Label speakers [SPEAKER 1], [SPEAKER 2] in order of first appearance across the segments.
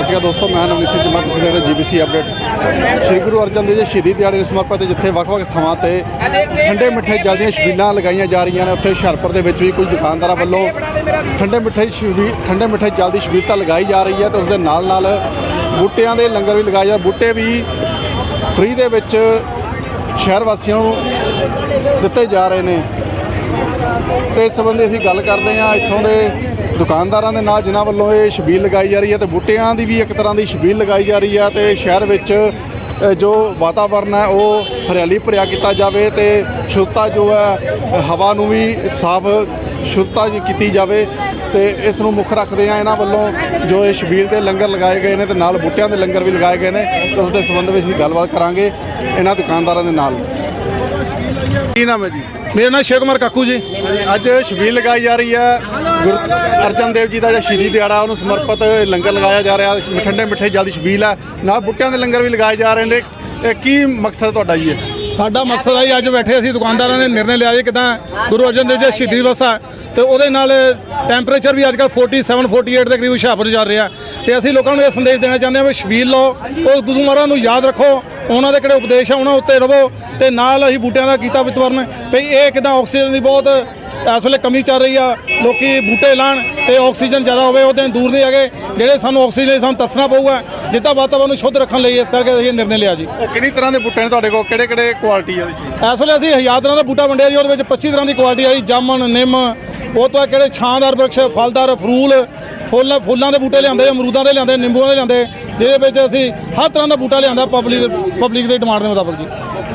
[SPEAKER 1] ਸਤਿ ਸ਼੍ਰੀ ਅਕਾਲ ਦੋਸਤੋ, ਮੈਂ ਨਵਨੀਤ ਸਿੰਘ ਚੀਮਾ, ਤੁਸੀਂ ਦੇਖ ਰਹੇ ਜੀਬੀਸੀ ਅਪਡੇਟ। ਸ਼੍ਰੀ ਗੁਰੂ ਅਰਜਨ ਦੇਵ ਜੀ ਸ਼ਹੀਦੀ ਦਿਹਾੜੇ ਨੂੰ ਸਮਰਪਿਤ ਜਿੱਥੇ ਵੱਖ-ਵੱਖ ਥਾਵਾਂ ਤੇ ਠੰਡੇ ਮਿੱਠੇ ਜਲ ਦੀਆਂ ਛਬੀਲਾਂ ਲਗਾਈਆਂ ਜਾ ਰਹੀਆਂ ਨੇ, ਉੱਥੇ ਹੁਸ਼ਿਆਰਪੁਰ ਦੇ ਵਿੱਚ ਵੀ ਕੁਝ ਦੁਕਾਨਦਾਰਾਂ ਵੱਲੋਂ ਠੰਡੇ ਮਿੱਠੇ ਜਲ ਦੀ ਛਬੀਲ ਤਾਂ ਲਗਾਈ ਜਾ ਰਹੀ ਹੈ ਤੇ ਉਸ ਦੇ ਨਾਲ ਨਾਲ ਬੂਟਿਆਂ ਦੇ ਲੰਗਰ ਵੀ ਲਗਾਏ ਜਾ ਰਹੇ। ਬੂਟੇ ਵੀ ਫ੍ਰੀ ਦੇ ਵਿੱਚ ਸ਼ਹਿਰ ਵਾਸੀਆਂ ਨੂੰ ਦਿੱਤੇ ਜਾ ਰਹੇ ਨੇ ਤੇ ਇਸ ਸੰਬੰਧੀ ਅਸੀਂ ਗੱਲ ਕਰਦੇ ਹਾਂ ਇੱਥੋਂ ਦੇ ਦੁਕਾਨਦਾਰਾਂ ਦੇ ਨਾਲ, ਜਿਨ੍ਹਾਂ ਵੱਲੋਂ ਇਹ ਛਬੀਲ ਲਗਾਈ ਜਾ ਰਹੀ ਹੈ ਤੇ ਬੂਟਿਆਂ ਦੀ ਵੀ ਇੱਕ ਤਰ੍ਹਾਂ ਦੀ ਛਬੀਲ ਲਗਾਈ ਜਾ ਰਹੀ ਹੈ ਤੇ ਸ਼ਹਿਰ ਵਿੱਚ ਜੋ ਵਾਤਾਵਰਨ ਹੈ ਉਹ ਹਰਿਆਲੀ ਭਰਿਆ ਕੀਤਾ ਜਾਵੇ ਤੇ ਸ਼ੁੱਧਤਾ ਜੋ ਹੈ ਹਵਾ ਨੂੰ ਵੀ ਸਾਫ਼ ਸ਼ੁੱਧਤਾ ਕੀਤੀ ਜਾਵੇ ਤੇ ਇਸ ਨੂੰ ਮੁੱਖ ਰੱਖਦੇ ਆ ਇਹਨਾਂ ਵੱਲੋਂ ਜੋ ਇਹ ਛਬੀਲ ਦੇ ਲੰਗਰ ਲਗਾਏ ਗਏ ਨੇ ਤੇ ਨਾਲ ਬੂਟਿਆਂ ਦੇ ਲੰਗਰ ਵੀ ਲਗਾਏ ਗਏ ਨੇ ਤੇ ਉਸ ਦੇ ਸੰਬੰਧ ਵਿੱਚ ਅਸੀਂ ਗੱਲਬਾਤ ਕਰਾਂਗੇ ਇਹਨਾਂ ਦੁਕਾਨਦਾਰਾਂ ਦੇ ਨਾਲ। ਕੀ ਨਾਮ ਹੈ ਜੀ?
[SPEAKER 2] ਮੇਰਾ ਨਾਮ ਸ਼ੇਖ ਕੁਮਾਰ ਕਾਕੂ ਜੀ।
[SPEAKER 1] ਅੱਜ ਛਬੀਲ ਲਗਾਈ ਜਾ ਰਹੀ ਹੈ ਗੁਰੂ ਅਰਜਨ ਦੇਵ ਜੀ ਦਾ ਜਿਹੜਾ ਸ਼ਹੀਦੀ ਦਿਹਾੜਾ ਉਹਨੂੰ ਸਮਰਪਿਤ ਲੰਗਰ ਲਗਾਇਆ ਜਾ ਰਿਹਾ, ਠੰਡੇ ਮਿੱਠੇ ਜਲ ਦੀ ਛਬੀਲ ਹੈ, ਨਾਲ ਬੂਟਿਆਂ ਦੇ ਲੰਗਰ ਵੀ ਲਗਾਏ ਜਾ ਰਹੇ ਨੇ। ਇਹ ਕੀ ਮਕਸਦ ਤੁਹਾਡਾ ਜੀ?
[SPEAKER 2] ਸਾਡਾ ਮਕਸਦ ਹੈ ਅੱਜ ਬੈਠੇ ਅਸੀਂ ਦੁਕਾਨਦਾਰਾਂ ਨੇ ਨਿਰਣੇ ਲਿਆ ਜੀ ਕਿੱਦਾਂ ਗੁਰੂ ਅਰਜਨ ਦੇਵ ਜੀ ਸ਼ਹੀਦੀ ਦਿਵਸ ਆ ਤੇ ਉਹਦੇ ਨਾਲ ਟੈਂਪਰੇਚਰ ਵੀ ਅੱਜ ਕੱਲ੍ਹ 47 48 ਦੇ ਕਰੀਬ ਹੁਸ਼ਿਆਰਪੁਰ ਚੱਲ ਰਿਹਾ ਤੇ ਅਸੀਂ ਲੋਕਾਂ ਨੂੰ ਇਹ ਸੰਦੇਸ਼ ਦੇਣਾ ਚਾਹੁੰਦੇ ਹਾਂ ਵੀ ਛਬੀਲ ਲਓ, ਉਹ ਗੁਰੂ ਮਹਾਰਾਜ ਨੂੰ ਯਾਦ ਰੱਖੋ, ਉਹਨਾਂ ਦੇ ਕਿਹੜੇ ਉਪਦੇਸ਼ ਆ ਉਹਨਾਂ ਉੱਤੇ ਰਹੋ ਤੇ ਨਾਲ ਅਸੀਂ ਬੂਟਿਆਂ ਦਾ ਕੀਤਾ ਵਿਤਵਰਨ ਵੀ ਇਹ ਕਿੱਦਾਂ ਆਕਸੀਜਨ ਦੀ ਬਹੁਤ ਇਸ ਵੇਲੇ ਕਮੀ ਚੱਲ ਰਹੀ ਆ, ਲੋਕੀ ਬੂਟੇ ਲਾਣ ਤੇ ਆਕਸੀਜਨ ਜ਼ਿਆਦਾ ਹੋਵੇ, ਉਹ ਦਿਨ ਦੂਰ ਨਹੀਂ ਹੈਗੇ ਜਿਹੜੇ ਸਾਨੂੰ ਆਕਸੀਜਨ ਸਾਨੂੰ ਦੱਸਣਾ ਪਊਗਾ ਜਿੱਦਾਂ ਵਾਤਾਵਰਨ ਨੂੰ ਸ਼ੁੱਧ ਰੱਖਣ ਲਈ। ਇਸ ਕਰਕੇ ਅਸੀਂ ਨਿਰਣੇ ਲਿਆ ਜੀ।
[SPEAKER 1] ਕਿੰਨੀ ਤਰ੍ਹਾਂ ਦੇ ਬੂਟੇ ਨੇ ਤੁਹਾਡੇ ਕੋਲ, ਕਿਹੜੇ ਕਿਹੜੇ ਕੁਆਲਿਟੀ ਆ?
[SPEAKER 2] ਇਸ ਵੇਲੇ ਅਸੀਂ 1000 ਤਰ੍ਹਾਂ ਦਾ ਬੂਟਾ ਵੰਡਿਆ ਜੀ, ਉਹਦੇ ਵਿੱਚ 25 ਤਰ੍ਹਾਂ ਦੀ ਕੁਆਲਿਟੀ ਆਈ, ਜਾਮਨ, ਨਿੰਮ, ਉਹ ਤੋਂ ਕਿਹੜੇ ਛਾਂਦਾਰ ਬਰਕਸ਼, ਫਲਦਾਰ, ਫੁੱਲਾਂ ਦੇ ਬੂਟੇ ਲਿਆਂਦੇ, ਅਮਰੂਦਾਂ ਦੇ ਲਿਆਂਦੇ, ਨਿੰਬੂਆਂ ਦੇ ਲਿਆਂਦੇ, ਜਿਹਦੇ ਵਿੱਚ ਅਸੀਂ ਹਰ ਤਰ੍ਹਾਂ ਦਾ ਬੂਟਾ ਲਿਆਂਦਾ ਪਬਲਿਕ ਦੀ ਡਿਮਾਂਡ ਦੇ ਮੁਤਾਬਕ ਜੀ।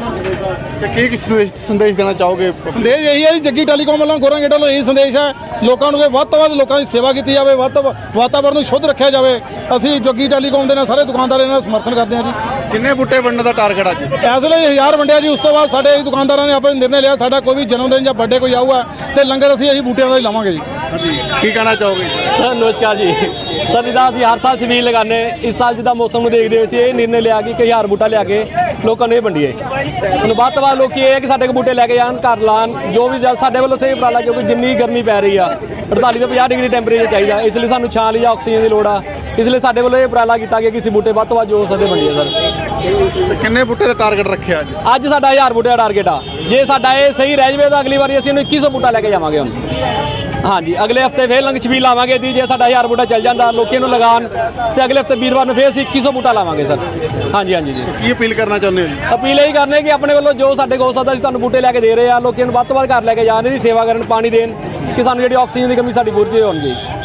[SPEAKER 1] ਤੇ ਕੀ ਸੰਦੇਸ਼ ਦੇਣਾ ਚਾਹੋਗੇ?
[SPEAKER 2] ਸੰਦੇਸ਼ ਇਹੀ ਹੈ ਜੀ, ਜੱਗੀ ਟੈਲੀਕਾਮ ਵੱਲੋਂ ਗੋਰਾ ਗੇਟ ਵੱਲੋਂ ਇਹੀ ਸੰਦੇਸ਼ ਹੈ ਲੋਕਾਂ ਨੂੰ ਕਿ ਵੱਧ ਤੋਂ ਵੱਧ ਲੋਕਾਂ ਦੀ ਸੇਵਾ ਕੀਤੀ ਜਾਵੇ, ਵਾਤਾਵਰਨ ਨੂੰ ਸ਼ੁੱਧ ਰੱਖਿਆ ਜਾਵੇ। ਅਸੀਂ ਜੱਗੀ ਟੈਲੀਕਾਮ ਦੇ ਨਾਲ ਸਾਰੇ ਦੁਕਾਨਦਾਰਾਂ ਨਾਲ ਸਮਰਥਨ ਕਰਦੇ ਹਾਂ ਜੀ।
[SPEAKER 1] ਕਿੰਨੇ ਬੂਟੇ ਵੰਡਣ ਦਾ ਟਾਰਗੇਟ ਅੱਜ?
[SPEAKER 2] ਇਸ ਵੇਲੇ 1000 ਵੰਡਿਆ ਜੀ। ਉਸ ਤੋਂ ਬਾਅਦ ਸਾਡੇ ਦੁਕਾਨਦਾਰਾਂ ਨੇ ਆਪਣੇ ਨਿਰਣੇ ਲਿਆ, ਸਾਡਾ ਕੋਈ ਵੀ ਜਨਮ ਦਿਨ ਜਾਂ ਬਰਥਡੇ ਕੋਈ ਆਊਗਾ ਤੇ ਲੰਗਰ ਅਸੀਂ ਬੂਟਿਆਂ ਦਾ ਹੀ ਲਾਵਾਂਗੇ ਜੀ।
[SPEAKER 1] ਕੀ ਕਹਿਣਾ ਚਾਹੋਗੇ
[SPEAKER 3] ਸਰ? ਨਮਸਕਾਰ ਜੀ। ਸਰ ਜਿੱਦਾਂ ਅਸੀਂ ਹਰ ਸਾਲ ਛਬੀਲ ਲਗਾਉਂਦੇ, ਇਸ ਸਾਲ ਜਿੱਦਾਂ ਮੌਸਮ ਨੂੰ ਦੇਖਦੇ ਅਸੀਂ ਇਹ ਨਿਰਣੇ ਲਿਆ ਕਿ 1000 ਬੂਟਾ ਲਿਆ ਕੇ ਲੋਕਾਂ ਨੂੰ ਇਹ ਵੰਡੀਏ। ਹੁਣ ਵੱਧ ਤੋਂ ਵੱਧ ਲੋਕੀ ਇਹ ਹੈ ਕਿ ਸਾਡੇ ਕੋਲ ਬੂਟੇ ਲੈ ਕੇ ਜਾਣ, ਘਰ ਲਾਣ, ਜੋ ਵੀ ਸਾਡੇ ਵੱਲੋਂ ਸਹੀ ਉਪਰਾਲਾ, ਕਿਉਂਕਿ ਜਿੰਨੀ ਗਰਮੀ ਪੈ ਰਹੀ ਆ 48 ਤੋਂ 50 ਡਿਗਰੀ ਟੈਂਪਰੇਚਰ ਚਾਹੀਦਾ, ਇਸ ਲਈ ਸਾਨੂੰ ਛਾਂ ਲਈ ਜਾਂ ਆਕਸੀਜਨ ਦੀ ਲੋੜ ਆ, ਇਸ ਲਈ ਸਾਡੇ ਵੱਲੋਂ ਇਹ ਉਪਰਾਲਾ ਕੀਤਾ ਗਿਆ ਕਿ ਅਸੀਂ ਬੂਟੇ ਵੱਧ ਤੋਂ ਵੱਧ ਜੋ ਹੋ ਸਕਦੇ ਵੰਡੀਏ। ਸਰ
[SPEAKER 1] ਕਿੰਨੇ ਬੂਟੇ ਦਾ ਟਾਰਗੇਟ ਰੱਖਿਆ
[SPEAKER 3] ਅੱਜ ਸਾਡਾ 1000 ਬੂਟੇ ਦਾ ਟਾਰਗੇਟ ਆ। ਜੇ ਸਾਡਾ ਇਹ ਸਹੀ ਰਹਿ ਜਾਵੇ ਤਾਂ ਅਗਲੀ ਵਾਰੀ ਅਸੀਂ ਇਹਨੂੰ 2100 ਬੂਟਾ ਲੈ ਕੇ ਜਾਵਾਂਗੇ। ਹੁਣ ਹਾਂਜੀ, ਅਗਲੇ ਹਫਤੇ ਫੇਰ ਲੰਗ ਛਬੀਲ ਲਾਵਾਂਗੇ ਜੀ। ਜੇ ਸਾਡਾ 1000 ਬੂਟਾ ਚੱਲ ਜਾਂਦਾ ਲੋਕੀ ਨੂੰ ਲਗਾਉਣ ਤੇ ਅਗਲੇ ਹਫਤੇ ਵੀਰਵਾਰ ਨੂੰ ਫੇਰ ਅਸੀਂ 2100 ਬੂਟਾ ਲਾਵਾਂਗੇ ਸਰ। ਹਾਂਜੀ ਹਾਂਜੀ ਜੀ।
[SPEAKER 1] ਕੀ ਅਪੀਲ ਕਰਨਾ ਚਾਹੁੰਦੇ ਹੋ ਜੀ?
[SPEAKER 3] ਅਪੀਲ ਇਹੀ ਕਰਨੇ ਕਿ ਆਪਣੇ ਵੱਲੋਂ ਜੋ ਸਾਡੇ ਕੋਲ ਹੋ ਸਕਦਾ ਅਸੀਂ ਤੁਹਾਨੂੰ ਬੂਟੇ ਲੈ ਕੇ ਦੇ ਰਹੇ ਆ, ਲੋਕਾਂ ਨੂੰ ਵੱਧ ਤੋਂ ਵੱਧ ਘਰ ਲੈ ਕੇ ਜਾਣ, ਇਹਦੀ ਸੇਵਾ ਕਰਨ, ਪਾਣੀ ਦੇਣ ਕਿ ਸਾਨੂੰ ਜਿਹੜੀ ਆਕਸੀਜਨ ਦੀ ਕਮੀ ਸਾਡੀ ਪੂਰੀ ਹੋਣੀ ਜੀ।